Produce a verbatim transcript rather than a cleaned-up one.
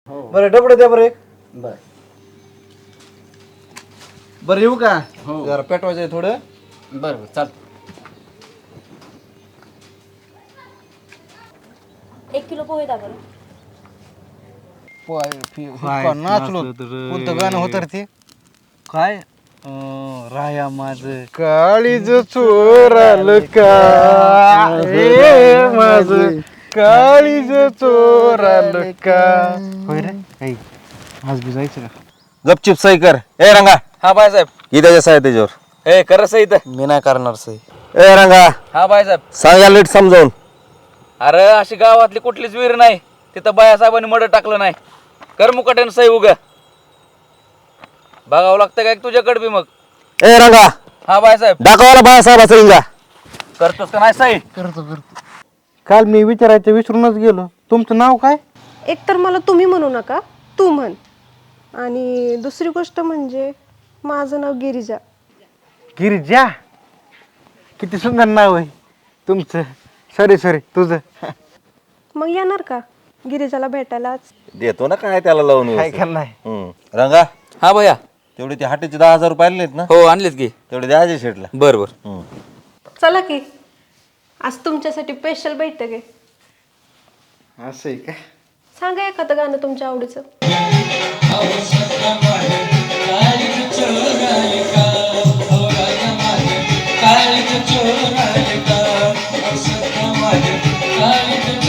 बरं डबडं द्या बरं एक. बर बरं येऊ का हो. जरा पेटवायचं आहे थोडं. बर बर चाल. एक किलो पोहे द्या बरं. काय नाचलो कोणतं गाणं होतं रे ते काय अं, राया माझ काळीज चोराल का हे माझ काळीज चोराल का होय रे ऐ आज बी जायचं का गपचिप सही कर. ए रंगा हा बायसाहेब. किती त्याच्या आहे त्याच्यावर. ए कर सही तर. मी नाही करणार सही. ए रंगा हा बायसाहेब. सांगा नीट समजावून. अरे अशी गावातली कुठलीच विहीर नाही तिथं बायासाहेबांनी मड टाकलं नाही. कर मुकाट्यानं सही उगा बघावं लागतं काय तुझ्याकडे बी मग. ए रंगा हा बायसाहेब. दाखवायला बाळासाहेबाचा इंगा. करतोस का नाही सही. करतो करतो. काल मी विचारायचं विसरूनच गेलो. तुमचं नाव काय. एक तर मला तुम्ही म्हणू नका, तू म्हण. आणि दुसरी गोष्ट म्हणजे माझं नाव गिरिजा. गिरिजा किती सुंदर नाव आहे तुमचं. सॉरी सॉरी तुझं. मग येणार का गिरिजाला भेटायलाच. देतो ना काय त्याला लावून काय व्यवस्थित. करणार. हम्म. रंगा हा भैया. तेवढे ते हाटेचे दहा हजार रुपये आलेत ना हो आणलेत की. तेवढे द्यायचे शेटला. बर बर. हम्म. चला की आज तुमच्यासाठी स्पेशल बैठक आहे. असं आहे का. सांगा एखादं गाणं तुमच्या आवडीचं.